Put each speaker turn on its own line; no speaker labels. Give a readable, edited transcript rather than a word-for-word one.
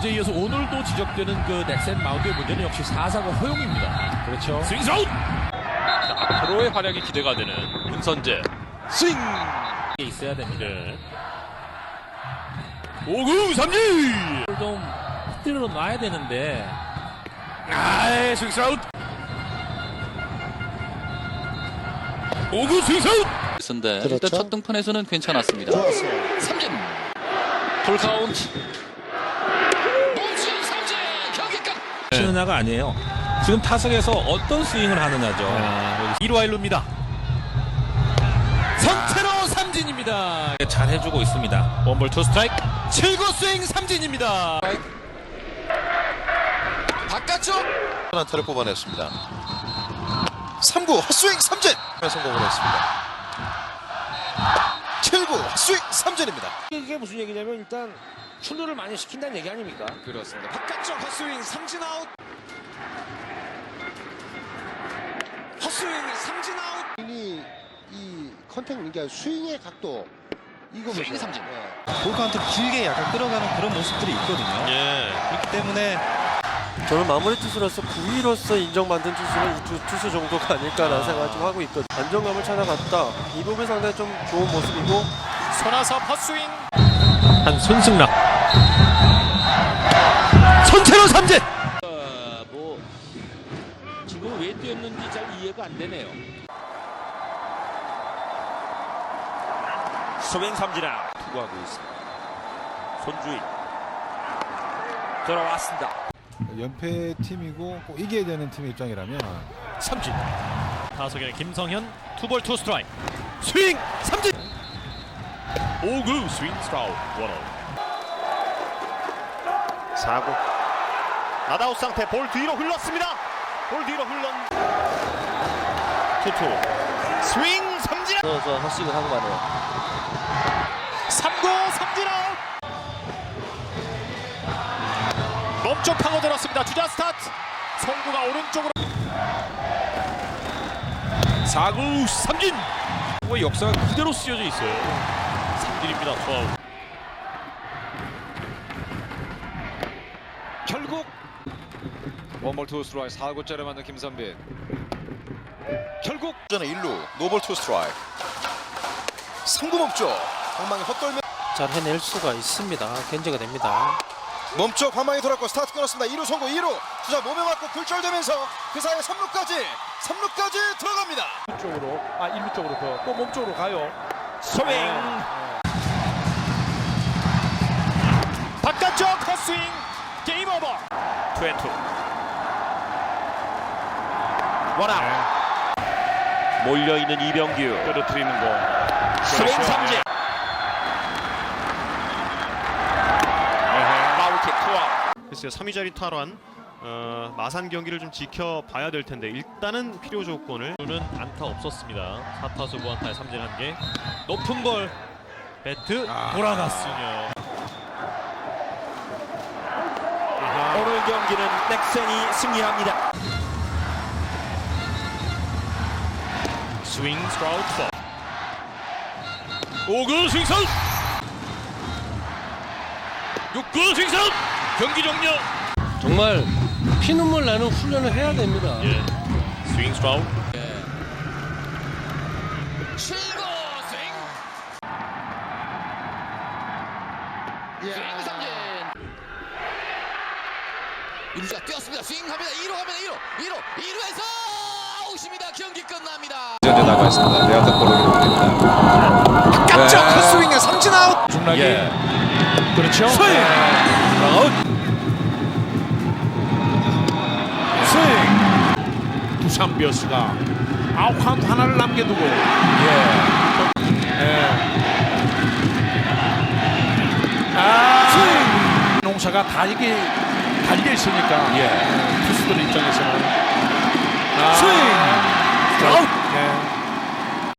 어제 이어서 오늘도 지적되는 그 넥센 마운드의 문제는 역시 4사구 허용입니다. 그렇죠. 스윙 아웃.
앞으로의 활약이 기대가 되는 문선재. 스윙
있어야 됩니다.
네. 5구 삼진.
좀 흔들어 놔야 되는데.
스윙 아웃. 5구 스윙 아웃.
인데
그렇죠.
일단 첫 등판에서는 괜찮았습니다.
좋았어요.
삼진. 풀 카운트. 몸수 삼진. 경기 끝.
치느냐가 아니에요. 지금 타석에서 어떤 스윙을 하느냐죠.
1루 1루입니다. 선체로 삼진입니다.
잘 해주고 있습니다.
원볼 투 스트라이크. 7구 스윙 삼진입니다.
바깥쪽 안타를 뽑아냈습니다. 3구 헛스윙 삼진 성공을 했습니다. 7구 헛스윙 삼진입니다.
이게 무슨 얘기냐면 일단 출루를 많이 시킨다는 얘기 아닙니까?
그렇습니다. 바깥쪽 헛스윙 삼진 아웃.
헛스윙 삼진 아웃.
이 컨택 그러니까 스윙의 각도 이거
스윙
보세요.
삼진.
볼 카운트 길게 약간 끌어가는 그런 모습들이 있거든요.
예.
그렇기 때문에
저는 마무리 투수로서 9위로서 인정받는 투수는 이 두 투수 정도가 아닐까라는 생각을 좀 하고 있거든요. 안정감을 찾아갔다. 이 부분이 상당히 좀 좋은 모습이고.
손아섭 헛스윙.
한 손승락. 선체로 삼진.
뭐 지금 왜 뛰었는지 잘 이해가 안 되네요.
스윙 삼진 아웃. 투구하고 있습니다. 손주희 돌아왔습니다.
연패 팀이고 꼭 이겨야 되는 팀의 입장이라면
삼진. 타석에는 김성현 투볼 투 스트라이크. 스윙 삼진. 5구 스윙 스트라우 원아웃. 4구 나다웃 상태. 볼 뒤로 흘렀습니다. 볼 뒤로 흘렀. 투투 스윙 삼진.
저 헛스윙을 하고 가네요.
3구 삼진 아웃. 몸쪽 파고들었습니다. 주자 스타트. 송구가 오른쪽으로. 4구 삼진. 역사가 그대로 쓰여져 있어요. 삼진입니다. 투아웃.
결국 원볼 투 스트라이크 4구째를 만든 김선빈. 결국
전에 1루 노볼 투 스트라이크. 3구 멈쪽 방망이 헛돌며
잘 해낼 수가 있습니다. 견제가 됩니다.
멈쪽 방망이 돌았고 스타트 끊었습니다. 2루 송구 2루 주자 몸에 맞고 굴절되면서 그 사이에 3루까지 들어갑니다.
쪽으로 1루 쪽으로 또 몸쪽으로 가요.
스윙. 바깥쪽 헛스윙. 게임 오버. 투앤투. 원아웃. 몰려있는 이병규. 떨어뜨리는 거. 스윙 삼진. 파울킥 투아웃.
글쎄요, 3위 자리 탈환 마산 경기를 좀 지켜봐야 될 텐데 일단은 필요 조건을.
는 안타 없었습니다. 4타수 무안타에 삼진 1개. 높은 볼. 배트 돌아갔으며. 오늘 경기는 넥센이 승리합니다. 스윙 스트라우트. 5구 스윙 사웃. 6구 스윙 사웃. 경기 종료.
정말 피눈물 나는 훈련을 해야 됩니다.
예. 스윙 스트라우트.
7구 스윙. 스윙 삼진. 1루자 뛰었습니다. 스윙합니다. 2루 갑니다. 2루에서 아웃입니다. 경기 끝납니다.
이제 나가 있습니다. 내야타 볼로 기록됩니다. 바깥쪽 헛스윙에 삼진 아웃.
중락이. 그렇죠. 스윙. 아웃. 스윙. 두산 베어스가 아웃 카운트 하나를 남겨두고. 스윙. 농사가 다 이게 달려 있으니까 투수들 입장에서는 스윙. 아웃.